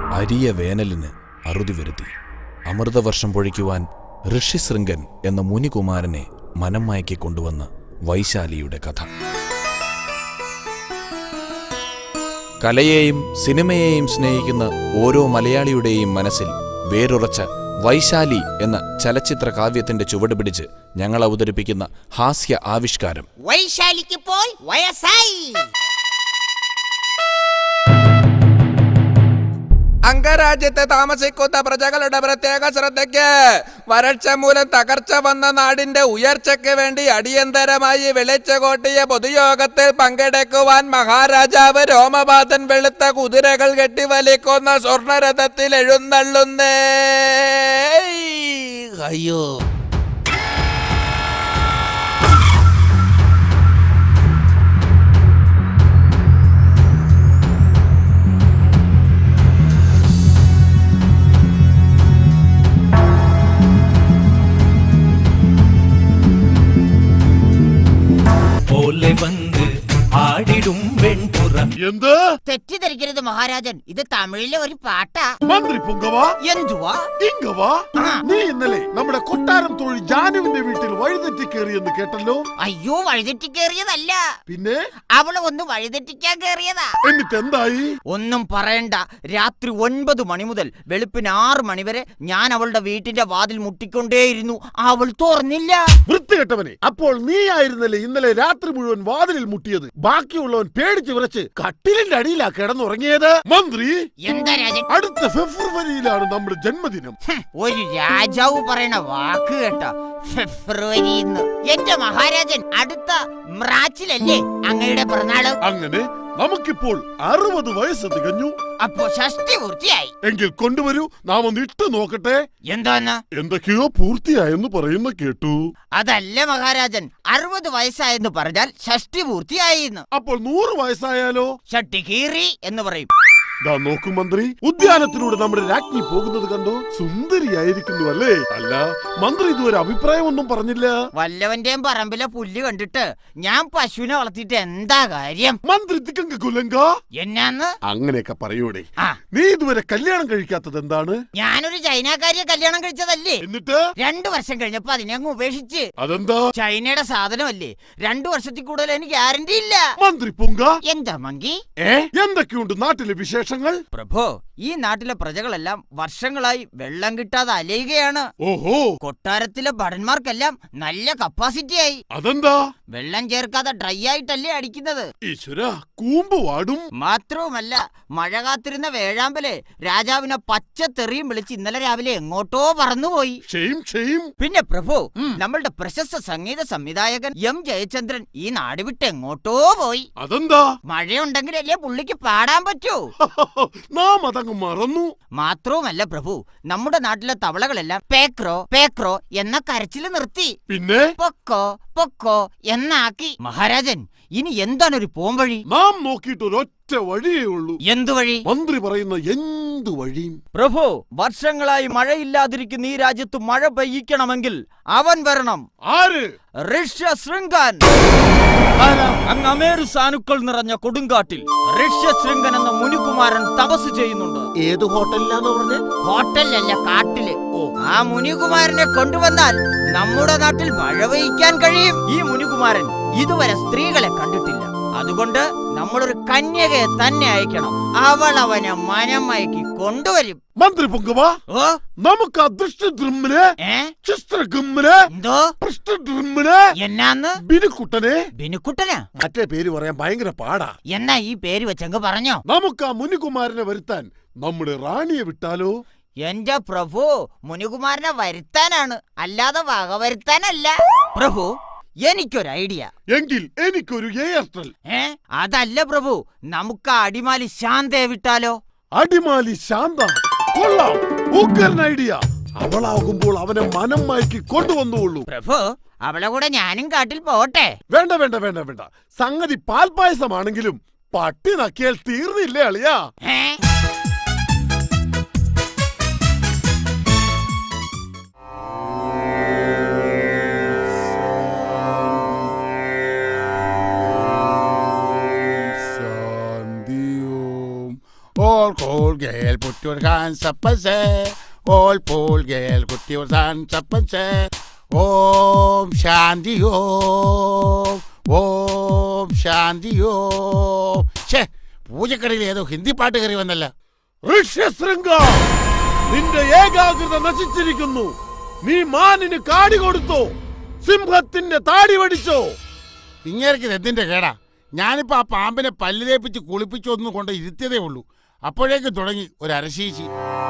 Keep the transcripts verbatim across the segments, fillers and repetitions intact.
അരിയ വേനലിന് അറുതി വരുത്തി. അമൃതവർഷം പൊഴിക്കുവാൻ ഋഷിശൃംഗൻ എന്ന മുനികുമാരനെ മനം മയക്കി കൊണ്ടുവന്ന വൈശാലിയുടെ കഥ. കലയെയും സിനിമയെയും സ്നേഹിക്കുന്ന ഓരോ മലയാളിയുടെയും മനസ്സിൽ വേരുറച്ച വൈശാലി എന്ന ചലച്ചിത്ര കാവ്യത്തിന്റെ ചുവട് പിടിച്ച് ഞങ്ങൾ അവതരിപ്പിക്കുന്ന ഹാസ്യ ആവിഷ്കാരം വൈശാലിക്കിപ്പോൾ വയസ്സായി. അംഗരാജ്യത്ത് താമസിക്കുന്ന പ്രജകളുടെ പ്രത്യേക ശ്രദ്ധയ്ക്ക് വരൾച്ച മൂലം തകർച്ച വന്ന നാടിന്റെ ഉയർച്ചയ്ക്ക് വേണ്ടി അടിയന്തരമായി വിളിച്ചുകൂട്ടിയ പൊതുയോഗത്തിൽ പങ്കെടുക്കുവാൻ മഹാരാജാവ് രോമപാതൻ വെളുത്ത കുതിരകൾ കെട്ടിവലിക്കുന്ന സ്വർണരഥത്തിൽ എഴുന്നള്ളുന്നേ. അയ്യോ, എന്ത് തെറ്റിദ്ധരിക്കരുത് മഹാരാജൻ, ഇത് തമിഴിലെ ഒരു പാട്ടാ. മന്ത്രി പുങ്കവാ, എന്തുവാ ഇങ്കവാ, നീ ഇന്നലെ നമ്മുടെ കൊട്ടാരം തൊഴിൽ ജാനുവിന്റെ വീട്ടിൽ വഴിതെറ്റി കയറിയെന്ന് കേട്ടല്ലോ. അയ്യോ, വഴിതെറ്റി കയറിയതല്ല, പിന്നെ അവള് ഒന്ന് വഴിതെറ്റിക്കാൻ കയറിയതാ. എന്നിട്ട് എന്തായി? ഒന്നും പറയണ്ട. രാത്രി ഒൻപത് മണി മുതൽ വെളുപ്പിന് ആറ് മണി വരെ ഞാൻ അവളുടെ വീട്ടിന്റെ വാതിൽ മുട്ടിക്കൊണ്ടേയിരുന്നു. അവൾ തുറന്നില്ല. വൃത്തികെട്ടവനെ, അപ്പോൾ നീ ആയിരുന്നല്ലേ ഇന്നലെ രാത്രി മുഴുവൻ വാതിലിൽ മുട്ടിയത്? ബാക്കിയുള്ളവൻ പേടിച്ചു വിറച്ച് കട്ടിലിന്റെ അടിയിലാ കിടന്നുറങ്ങിയത്. മന്ത്രി, എന്താ രാജൻ? അടുത്ത ഫെബ്രുവരിയിലാണ് നമ്മുടെ ജന്മദിനം. ഒരു രാജാവ് പറയണ വാക്ക് കേട്ട ഫെബ്രുവരി. എന്റെ മഹാരാജൻ, അടുത്ത മാർച്ചിലല്ലേ അങ്ങയുടെ പിറന്നാള്? അങ്ങനെ നമുക്കിപ്പോൾ അറുപത് വയസ്സ് തികഞ്ഞു. അപ്പോ ഷഷ്ടി പൂർത്തിയായി. എങ്കിൽ കൊണ്ടുവരൂ, നാം ഒന്ന് ഇട്ട് നോക്കട്ടെ. എന്താന്ന്? എന്തൊക്കെയോ പൂർത്തിയായെന്ന് പറയുന്ന കേട്ടു. അതല്ല മഹാരാജൻ, അറുപത് വയസ്സായെന്ന് പറഞ്ഞാൽ ഷഷ്ടി പൂർത്തിയായി. അപ്പോൾ നൂറ് വയസ്സായാലോ? ഷട്ടി കീറി എന്ന് പറയും. ദാ നോക്കൂ മന്ത്രി, ഉദ്യാനത്തിലൂടെ നമ്മുടെ രാജ്ഞി പോകുന്നത് കണ്ടോ? സുന്ദരിയായിരിക്കുന്നു അല്ലേ? അല്ല, മന്ത്രി ഇതുവരെ അഭിപ്രായമൊന്നും പറഞ്ഞില്ല. വല്ലവന്റെയും പറമ്പിലെ പുല്ല് കണ്ടിട്ട് ഞാൻ പശുവിനെ വളർത്തിയിട്ട് എന്താ കാര്യം? മന്ത്രി തിക്കങ്ക കുലങ്ക എന്നാന്ന് അങ്ങനെയൊക്കെ പറയൂടെ? ആ, നീ ഇതുവരെ കല്യാണം കഴിക്കാത്തത് എന്താണ്? ഞാനൊരു ചൈനക്കാരിയെ കല്യാണം കഴിച്ചതല്ലേ. എന്നിട്ട് രണ്ടു വർഷം കഴിഞ്ഞപ്പോ അതിനെ അങ്ങ് ഉപേക്ഷിച്ച്. അതെന്താ? ചൈനയുടെ സാധനമല്ലേ, രണ്ടു വർഷത്തിൽ കൂടുതൽ എനിക്ക് ഗ്യാരണ്ടി ഇല്ല. മന്ത്രി പൊങ്ക, എന്താ മങ്കി? ഏ എന്തൊക്കെയുണ്ട് നാട്ടിലെ വിശേഷങ്ങൾ? പ്രഭോ, ഈ നാട്ടിലെ പ്രജകളെല്ലാം വർഷങ്ങളായി വെള്ളം കിട്ടാതെ അലയുകയാണ്. ഓഹോ, കൊട്ടാരത്തിലെ ഭടന്മാർക്കെല്ലാം നല്ല കപ്പാസിറ്റി ആയി. അതെന്താ? വെള്ളം ചേർക്കാതെ ഡ്രൈ ആയിട്ടല്ലേ അടിക്കുന്നത്. ഈശ്വര, കൂമ്പ് വാടും. മാത്രവുമല്ല, മഴ കാത്തിരുന്ന വേഴാമ്പലെ രാജാവിനെ പച്ച തെറിയും വിളിച്ച് ഇന്നലെ രാവിലെ എങ്ങോട്ടോ പറന്നുപോയി. പിന്നെ പ്രഭു, നമ്മളുടെ പ്രശസ്ത സംഗീത സംവിധായകൻ എം ജയചന്ദ്രൻ ഈ നാട് വിട്ട് എങ്ങോട്ടോ പോയി. അതെന്താ? മഴയുണ്ടെങ്കിലല്ലേ പുള്ളിക്ക് പാടാൻ പറ്റൂ. നാം അതങ്ങ് മറന്നു. മാത്രവുമല്ല പ്രഭു, നമ്മുടെ നാട്ടിലെ തവളകളെല്ലാം പേക്രോ പേക്രോ എന്ന കരച്ചില് നിർത്തി. പിന്നെ പൊക്കോ പൊക്കോ എന്നാക്കി. മഹാരാജൻ, ഇനി എന്താണ് ഒരു പോംവഴി? നാം നോക്കിയിട്ട് ഒരൊറ്റ വഴിയേ ഉള്ളൂ. എന്തു വഴി? മന്ത്രി പറയുന്ന എന്തു വഴിയും. പ്രഭു, വർഷങ്ങളായി മഴയില്ലാതിരിക്കുന്ന ഈ രാജ്യത്ത് മഴ പെയ്യിക്കണമെങ്കിൽ അവൻ വരണം. ആര്? ഋഷ്യശൃംഗൻ. അങ്ങ് അമേരു സാനുക്കൾ നിറഞ്ഞ കൊടുങ്കാട്ടിൽ ഋഷ്യശൃംഗൻ എന്ന മുനികുമാരൻ തപസ് ചെയ്യുന്നുണ്ട്. ഏത് ഹോട്ടലിലാന്ന് പറഞ്ഞ? ഹോട്ടലിലല്ല, കാട്ടില്. ആ മുനികുമാരനെ കൊണ്ടുവന്നാൽ നമ്മുടെ നാട്ടിൽ മഴ പെയ്യിക്കാൻ കഴിയും. ഈ മുനികുമാരൻ ഇതുവരെ സ്ത്രീകളെ കണ്ടിട്ടില്ല. അതുകൊണ്ട് നമ്മളൊരു കന്യകയെ തന്നെ അയക്കണം. അവൾ അവനെ മനം മയക്കി കൊണ്ടുവരും. മന്ത്രി പൊങ്കവാ, ഓ, നമുക്ക് അദൃഷ്ടദ്രുമ്മിനെ എന്തോ എന്നാന്ന് ബിനുക്കുട്ടനെ. ബിനുക്കുട്ടനാ? മറ്റേ പേര് പറയാൻ ഭയങ്കര പാടാ. എന്നാ ഈ പേര് വെച്ചങ്ങ് പറഞ്ഞോ. നമുക്ക് ആ മുനികുമാരനെ വരുത്താൻ നമ്മുടെ റാണിയെ വിട്ടാലോ? എന്റെ പ്രഭു, മുനികുമാരനെ വരുത്താനാണ്, അല്ലാതെ വക വരുത്താനല്ല. പ്രഭു, എനിക്കൊരു ഐഡിയ. എങ്കിൽ എനിക്കൊരു എയർടെൽ. ഏ അതല്ല പ്രഭു, നമുക്ക് അടിമാലി ശാന്തയെ വിട്ടാലോ? അടിമാലി ശാന്ത കൊള്ളാം, ഉഗ്രൻ ഐഡിയ. അവളാകുമ്പോൾ അവനെ മനം മയക്കി കൊണ്ടുവന്നുള്ളൂ. പ്രഭു, അവളെ കൂടെ ഞാനും കാട്ടിൽ പോട്ടെ? വേണ്ട വേണ്ട വേണ്ട വേണ്ട, സംഗതി പാൽപായസമാണെങ്കിലും പട്ടി നക്കിയാൽ തീർന്നില്ലേ അളിയാ? All cool girl, put your hands up and say. All cool girl, put your hands up and say. Om Shanti Om. Om Shanti Om. ഛേ, പൂജക്കടയിൽ ഏതോ ഹിന്ദി പാട്ട് കയറി വന്നല്ല. ഋഷ്യശൃംഗ, നിന്റെ ഏകാഗ്രത നശിച്ചിരിക്കുന്നു. നീ മാനിന് കാടി കൊടുത്തോ? സിംഹത്തിന്റെ താടി വടിച്ചോ? ഇങ്ങേർക്ക് എന്തിന്റെ കേടാ? ഞാനിപ്പോ ആ പാമ്പിനെ പല്ല് തേപ്പിച്ച് കുളിപ്പിച്ചൊന്നും കൊണ്ട് ഇരുത്തിയതേ ഉള്ളൂ. അപ്പോഴേക്ക് തുടങ്ങി ഒരു അരശീശി.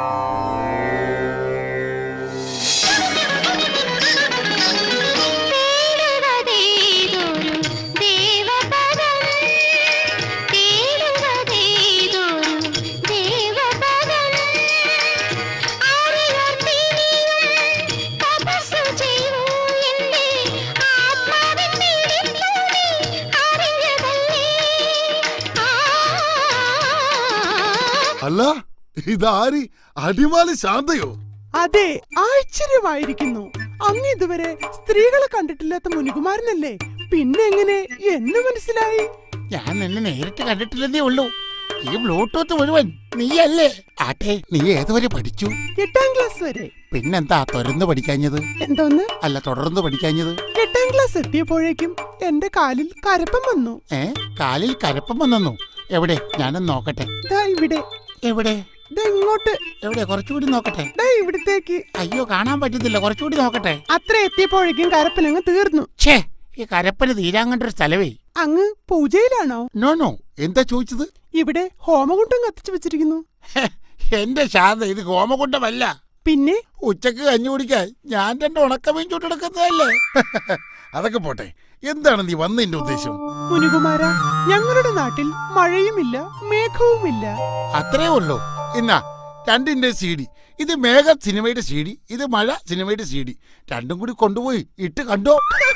അല്ല, ഇതാരി? അടിമാലി ശാന്തയോ? അതെ, ആശ്ചര്യമായിരിക്കുന്നു. അങ്ങ് ഇതുവരെ സ്ത്രീകളെ കണ്ടിട്ടില്ലാത്ത മുനികുമാരനല്ലേ? പിന്നെ എങ്ങനെ എന്ന് മനസ്സിലായി? ഞാൻ നിന്നെ നേരിട്ട് കണ്ടിട്ടില്ലെന്നേ ഉള്ളൂ. ഈ ബ്ലൂടൂത്ത് മുഴുവൻ നീയല്ലേ? ആട്ടെ, നീ ഏതുവരെ പഠിച്ചു? എട്ടാം ക്ലാസ് വരെ. പിന്നെന്താ തുറന്ന് പഠിക്കാഞ്ഞത്? എന്തോന്ന്? അല്ല, തുടർന്ന് പഠിക്കാഞ്ഞത്? എട്ടാം ക്ലാസ് എത്തിയപ്പോഴേക്കും എന്റെ കാലിൽ കരപ്പം വന്നു. ഏ, കാലിൽ കരപ്പം വന്നു? എവിടെ? ഞാനൊന്ന് നോക്കട്ടെ. ദാ ഇവിടെ. എവിടെ? ദാ ഇങ്ങോട്ട്. എവിടെ? കുറച്ചുകൂടി നോക്കട്ടെ. ദാ ഇവിടത്തേക്ക്. അയ്യോ, കാണാൻ പറ്റുന്നില്ല. കുറച്ചുകൂടി നോക്കട്ടെ. അത്ര എത്തിയപ്പോഴേക്കും കരപ്പനങ്ങ് തീർന്നു. ഛേ, ഈ കരപ്പന് തീരാൻ കണ്ടൊരു സ്ഥലവേ. അങ്ങ് പൂജയിലാണോ? No no. എന്താ ചോദിച്ചത്? ഇവിടെ ഹോമകുണ്ടം കത്തിച്ചു വെച്ചിരിക്കുന്നു. എന്റെ ശാന്ത, ഇത് ഹോമകുണ്ടമല്ല. പിന്നെ ഉച്ചക്ക് കഞ്ഞി കുടിക്കാൻ ഞാൻ രണ്ട് ഉണക്കമീൻ ചുട്ടെടുക്കുന്നതല്ലേ. അതൊക്കെ പോട്ടെ, എന്താണ് നീ വന്നതിന്റെ ഉദ്ദേശം? മുനികുമാര, ഞങ്ങളുടെ നാട്ടിൽ മഴയുമില്ല മേഘവുമില്ല. അത്രേ ഉള്ളൂ. എന്നാ രണ്ടിന്റെ സി ഡി. ഇത് മേഘ സിനിമയുടെ സി ഡി, ഇത് മഴ സിനിമയുടെ സി ഡി. രണ്ടും കൂടി കൊണ്ടുപോയി ഇട്ട് കണ്ടോ?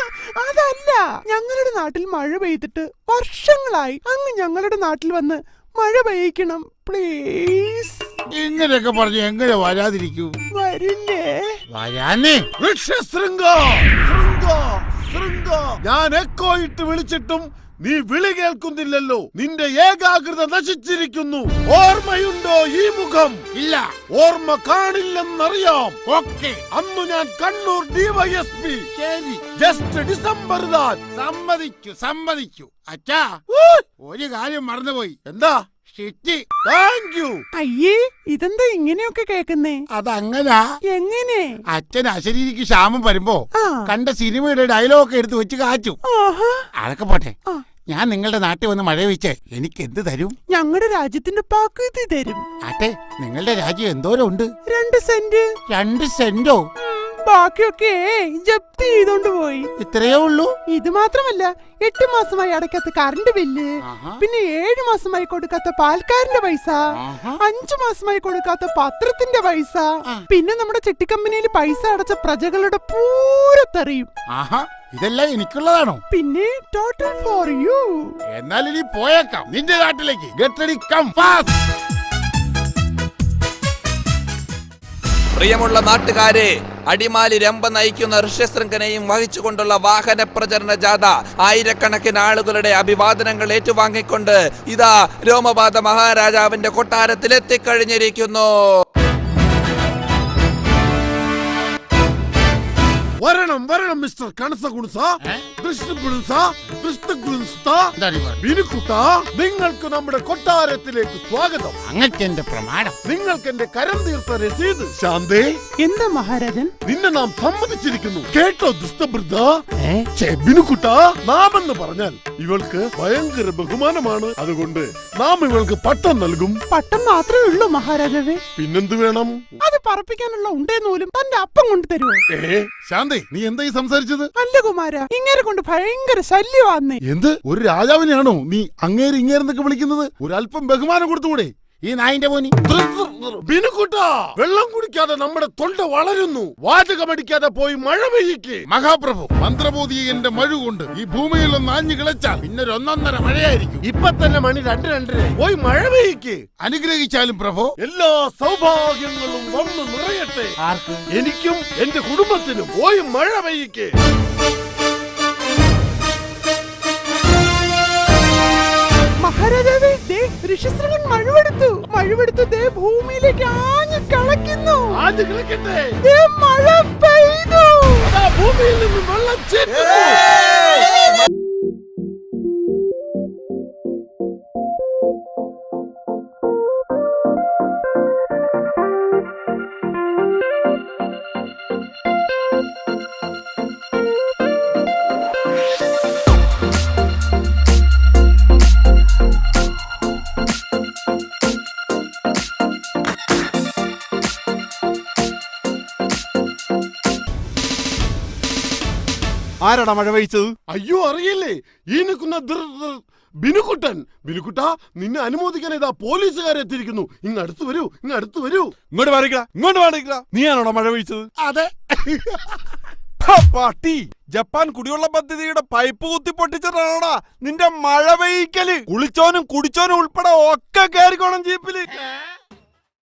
അതല്ല, ഞങ്ങളുടെ നാട്ടിൽ മഴ പെയ്തിട്ട് വർഷങ്ങളായി. അങ്ങ് ഞങ്ങളുടെ നാട്ടിൽ വന്ന് മഴ പെയ്യിക്കണം പ്ലീസ്. ഇങ്ങനെയൊക്കെ പറഞ്ഞു എങ്ങനെ വരാതിരിക്കൂ? വരില്ലേ? വരാനേ. ഋഷ്യശൃംഗ, ശൃംഗ, ശൃംഗ. ഞാൻ എക്കോ ഇട്ട് വിളിച്ചിട്ടും നീ വിളി കേൾക്കുന്നില്ലല്ലോ. നിന്റെ ഏകാഗ്രത നശിച്ചിരിക്കുന്നു. ഓർമ്മയുണ്ടോ ഈ മുഖം? ഇല്ല. ഓർമ്മ കാണില്ലെന്നറിയാം. ഓക്കെ. അന്ന് ഞാൻ കണ്ണൂർ ഡിവൈഎസ്പി. ശരി, ജസ്റ്റ് ഡിസംബർ താൻ. സമ്മതിച്ചു സമ്മതിച്ചു. അച്ഛാ, ഒരു കാര്യം മറന്നുപോയി. എന്താ? ഷിറ്റ്. Thank you. അയ്യേ, ഇതെന്താ ഇങ്ങനെയൊക്കെ കേക്കുന്നേ? അതങ്ങനാ. എങ്ങനെ? അച്ഛൻ അശരീരിക്ക് ക്ഷാമം വരുമ്പോ ആ. കണ്ട സിനിമയുടെ ഡയലോഗ് എടുത്ത് വെച്ച് കാച്ചു. ആഹാ. അതൊക്കെ പോട്ടെ. ആ. ഞാൻ നിങ്ങളുടെ നാട്ടിൽ വന്ന് മഴ വെച്ച് എനിക്ക് എന്ത് തരും? ഞങ്ങളുടെ രാജ്യത്തിന്റെ പകുതി തരും. ആട്ടെ, നിങ്ങളുടെ രാജ്യം എന്തോരം ഉണ്ട്? രണ്ട് സെന്റ്. രണ്ട് സെന്റോ? ബാക്കിയൊക്കെ ജപ്തി ചെയ്തോണ്ട് പോയി. ഇത്രയേ ഉള്ളൂ? ഇത് മാത്രമല്ല, എട്ട് മാസമായി അടയ്ക്കാത്ത കറണ്ട് ബില്ല്, ആഹാ. പിന്നെ ഏഴു മാസമായി കൊടുക്കാത്ത പാൽക്കാരന്റെ പൈസ, ആഹാ. അഞ്ചു മാസമായി കൊടുക്കാത്ത പത്രത്തിന്റെ പൈസ, ആ. പിന്നെ നമ്മുടെ ചിട്ടിക്കമ്പനിയിൽ പൈസ അടച്ച പ്രജകളുടെ പൂരത്തെറിയും. ആഹാ, ഇതെല്ലാം എനിക്കുള്ളതാണോ? പിന്നെ ടോട്ടൽ ഫോർ യു. എന്നാൽ ഇനി പോയേക്കാം നിന്റെ നാട്ടിലേക്ക്. Get ready, come fast. പ്രിയമുള്ള നാട്ടുകാരെ, അടിമാലി രംഭ നയിക്കുന്ന ഋഷ്യശൃംഖനെയും വഹിച്ചുകൊണ്ടുള്ള വാഹന പ്രചരണ ജാഥ ആയിരക്കണക്കിന് ആളുകളുടെ അഭിവാദനങ്ങൾ ഏറ്റുവാങ്ങിക്കൊണ്ട് ഇതാ രോമപാത മഹാരാജാവിന്റെ കൊട്ടാരത്തിൽ എത്തിക്കഴിഞ്ഞിരിക്കുന്നു. വരണം വരണം മിസ്റ്റർ കണസഗുണസ, ദൃഷ്ടഗുണസ, ദൃഷ്ടഗുണസ്ത, ബിനുക്കുട്ട. നിങ്ങൾക്ക് നമ്മുടെ കൊട്ടാരത്തിലേക്ക് സ്വാഗതം. അങ്ങക്ക് എന്റെ പ്രമാണം. നിങ്ങൾക്ക് എന്റെ കരം തീർത്ത രസീത്. ശാന്തേ, എന്താ മഹാരാജൻ? നിന്നെ നാം സമ്മതിച്ചിരിക്കുന്നു. കേട്ടോ ദുഷ്ടവൃദ്ധ? ബിനുക്കുട്ട, നാം എന്ന് പറഞ്ഞാൽ ഇവൾക്ക് ഭയങ്കര ബഹുമാനമാണ്. അതുകൊണ്ട് നാം ഇവൾക്ക് പട്ടം നൽകും. പട്ടം മാത്രമേ ഉള്ളൂ മഹാരാജാവേ. പിന്നെന്ത് വേണം? അത് പറപ്പിക്കാനുള്ള ഉണ്ടേന്നൂലും തന്റെ അപ്പം കൊണ്ട് തരുമോ? ഏ ശാന്തേ, നീ എന്തായി സംസാരിച്ചത്? അല്ല കുമാര, ഇങ്ങനെ കൊണ്ട് ഭയങ്കര ശല്യമാന്നേ. എന്ത്? ഒരു രാജാവിനെയാണോ നീ അങ്ങേര് ഇങ്ങേരെന്നൊക്കെ വിളിക്കുന്നത്? ഒരല്പം ബഹുമാനം കൊടുത്തുകൂടെ? ഈ നായിന്റെ പോനി. ബിനുക്കുട്ടാ, വെള്ളം കുടിക്കാതെ നമ്മുടെ തൊണ്ട വളരുന്നു. വാചകമടിക്കാതെ പോയി മഴ പെയ്യിക്ക്. മഹാപ്രഭു, മന്ത്രബോധി എന്റെ മഴ കൊണ്ട് ഈ ഭൂമിയിൽ ഒന്ന് ആഞ്ഞു കിളച്ചാൽ പിന്നെ ഒരു ഒന്നൊന്നര മഴയായിരിക്കും. ഇപ്പൊ തന്നെ മണി രണ്ട് രണ്ടര. പോയി മഴ പെയ്യിക്ക്. അനുഗ്രഹിച്ചാലും പ്രഭു. എല്ലാ സൗഭാഗ്യങ്ങളും വന്നു നിറയട്ടെ. ആർക്ക്? എനിക്കും എന്റെ കുടുംബത്തിനും. പോയി മഴ പെയ്യിക്ക്. മഹാരാജാവേ, ദേ ഋഷ്യശൃംഗൻ മഴവെടുത്തു മഴവെടുത്ത് ദേ ഭൂമിയിലേക്ക് ആഞ്ഞു കളയ്ക്കുന്നു. ആദ്യം കളിക്കട്ടെ. ദേ മഴ പെയ്തു. അതാ ഭൂമിയിൽ നിന്ന് വെള്ളം ചേരുന്നു. ആരാടാ മഴ പെയ്ച്ചത്? അയ്യോ അറിയില്ലേ, ഈ നിൽക്കുന്ന ബിനുക്കുട്ടൻ. ബിനുക്കുട്ട, നിന്നെ അനുമോദിക്കാൻ ഇതാ പോലീസുകാരെത്തിയിരിക്കുന്നു. ഇങ്ങ് അടുത്ത് വരൂ, ഇങ്ങ് അടുത്ത് വരൂ. ഇങ്ങോട്ട് മാറിക്കടാ, ഇങ്ങോട്ട് മാറിക്കടാ. നീയാണോടാ മഴ പെയ്ച്ചത്? അതെ. പാട്ടി, ജപ്പാൻ കുടിവെള്ള പദ്ധതിയുടെ പൈപ്പ് കുത്തി പൊട്ടിച്ചിട്ടാണോടാ നിന്റെ മഴ പെയ്ക്കല്? കുളിച്ചോനും കുടിച്ചോനും ഉൾപ്പെടെ ഒക്കെ കയറിക്കോണം ജീപ്പില്.